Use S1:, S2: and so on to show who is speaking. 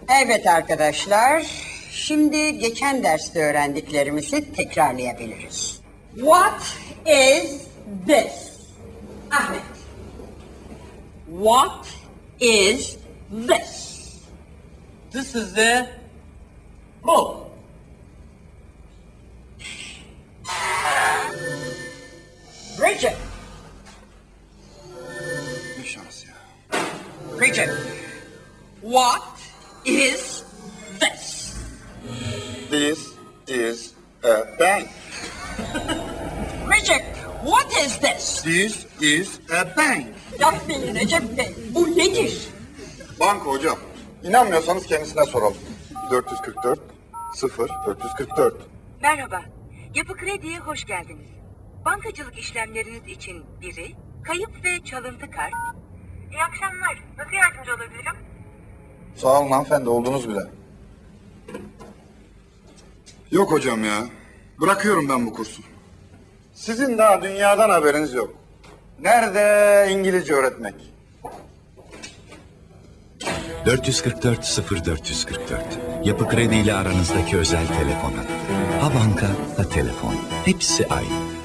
S1: Evet arkadaşlar, şimdi geçen derste öğrendiklerimizi tekrarlayabiliriz. What is this? Ahmet. What is this?
S2: This is the book.
S1: Richard.
S3: Ne şans ya.
S1: Richard. What is this?
S3: This is a bank.
S1: Richard, what is this?
S3: This is a bank.
S1: Yapmayın Recep Bey, bu nedir?
S3: Banka hocam. İnanmıyorsanız kendisine soralım. 444 0 444.
S4: Merhaba, Yapı Kredi'ye hoş geldiniz. Bankacılık işlemleriniz için biri, kayıp ve çalıntı kart. İyi akşamlar, nasıl yardımcı olabilirim?
S3: Sağ olun hanımefendi, oldunuz bile. Yok hocam ya. Bırakıyorum ben bu kursu. Sizin daha dünyadan haberiniz yok. Nerede İngilizce öğretmek?
S5: 444 0444. Yapı Kredi ile aranızdaki özel telefon hattı. Ha banka, ha telefon. Hepsi aynı.